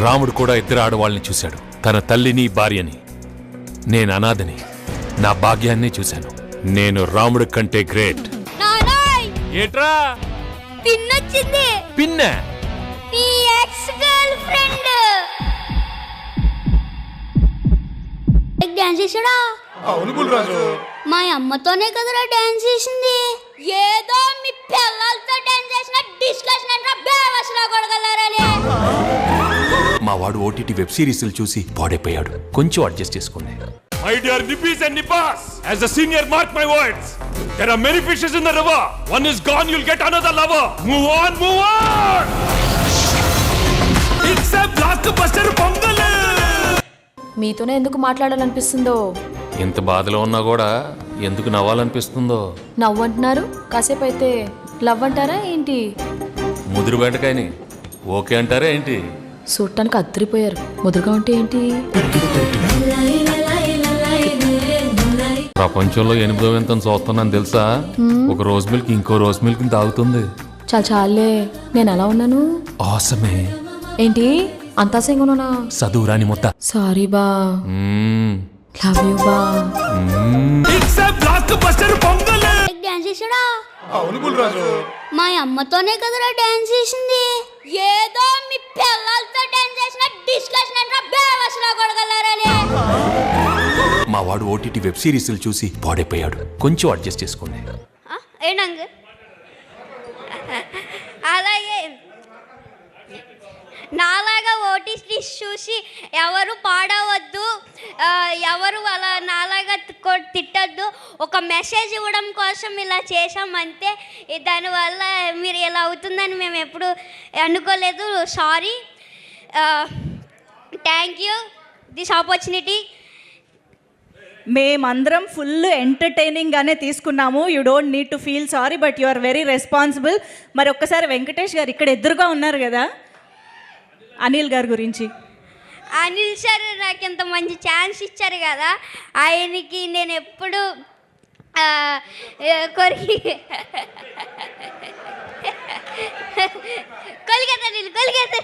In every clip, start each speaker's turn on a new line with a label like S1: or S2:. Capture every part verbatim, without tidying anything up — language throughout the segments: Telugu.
S1: రాముడు కూడా ఇద్దరు ఆడవాళ్ళని చూశాడు, తన తల్లిని భార్యని. నేను అనాథని, నా భాగ్యాన్ని చూశాను. నేను రాముడి కంటే గ్రేట్. ఏట్రా
S2: పిన్నొచ్చింది?
S1: పిన్న
S2: నీ ఎక్స్ గర్ల్ ఫ్రెండ్ డాన్స్ చేసాడా?
S3: అవును బుల్రాజు,
S2: మా అమ్మతోనే కదరా డాన్స్ చేసింది. ఏదో మీ పిల్లలతో డాన్స్ చేసిన డిస్కషన్ అంటే బేవసలా కొడగలరని.
S1: మా వాడు ఓటీటీ వెబ్ సిరీస్లు చూసి పాడైపోయాడు. కొంచెం అడ్జస్ట్ చేసుకోండి. My dear Nippis and Nippas, as a senior, mark my words. There are many fishes in the river. One is gone, you'll get another lover. Move on, move on. It's a blockbuster pongal.
S4: మీతోనే ఎందుకు మాట్లాడాలనిపిస్తుందో,
S1: ఎంత బాధలో ఉన్నా కూడా ఎందుకు నవ్వాలనిపిస్తుందో.
S4: నవ్వు అంటున్నారు, కాసేపు అయితే లవ్ అంటారా ఏంటి?
S1: ముదురు బెండకాయని ఓకే అంటారా ఏంటి?
S4: చూడటానికి అద్దరిపోయారు, ముదురుగా ఉంటే ఏంటి?
S1: ప్రపంచంలో ఎనిమిదో వింత చూస్తున్నాను తెలుసా? ఒక రోజ్ మిల్క్ ఇంకో రోజ్ మిల్క్ తాగుతుంది.
S4: చాలా చాలే, నేను ఎలా ఉన్నాను?
S1: ఆసమే.
S4: ఏంటి అంతా సింగునా?
S1: చదువురాని మొత్త.
S4: సారీ బా, లవ్ యూ బా.
S2: డాన్స్ చేసాడా?
S3: అవును బుల్రాజు,
S2: మా అమ్మతోనే కదరా డాన్స్ చేసింది. ఏదో మీ పిల్లలతో డాన్స్ చేసిన డిస్కషన్ అంటే బేవసలా కొడగలరని.
S1: మా వాడు ఓటీటీ వెబ్ సిరీస్లు చూసి పాడైపోయాడు. కొంచెం అడ్జస్ట్ చేసుకోండి.
S2: ఏంటంగ అలాగే నాలాగా ఓటీటీ చూసి ఎవరు పాడవద్దు, ఎవరు అలా నాలాగా తిట్టద్దు. ఒక మెసేజ్ ఇవ్వడం కోసం ఇలా చేసామంతే. దానివల్ల మీరు ఇలా అవుతుందని మేము ఎప్పుడు అనుకోలేదు. Sorry. Thank you this opportunity.
S5: మేమందరం ఫుల్ ఎంటర్టైనింగ్గానే తీసుకున్నాము. You don't need to feel sorry, but you are very responsible. మరి ఒక్కసారి వెంకటేష్ గారు ఇక్కడ ఎదురుగా ఉన్నారు కదా, అనిల్ గారి గురించి.
S2: అనిల్ సార్ నాకు ఇంత మంచి ఛాన్స్ ఇచ్చారు కదా, ఆయనకి నేను ఎప్పుడు కొరికి కొలిగేత నేను కొలిగేత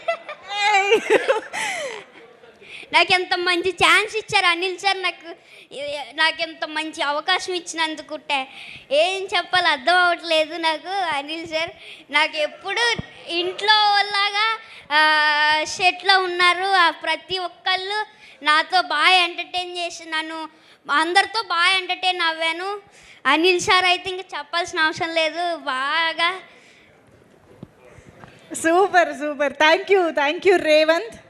S2: నాకు ఎంత మంచి ఛాన్స్ ఇచ్చారు అనిల్ సార్. నాకు నాకు ఎంత మంచి అవకాశం ఇచ్చినందుకు ఏం చెప్పాలి అర్థం అవ్వట్లేదు నాకు. అనిల్ సార్ నాకు ఎప్పుడు ఇంట్లో లాగా సెట్లో ఉన్నారు. ప్రతి ఒక్కళ్ళు నాతో బాగా ఎంటర్టైన్ చేసి నన్ను అందరితో బాగా ఎంటర్టైన్ అవ్వాను. అనిల్ సార్ అయితే ఇంకా చెప్పాల్సిన అవసరం లేదు. బాగా
S5: super super. Thank you thank you Revanth.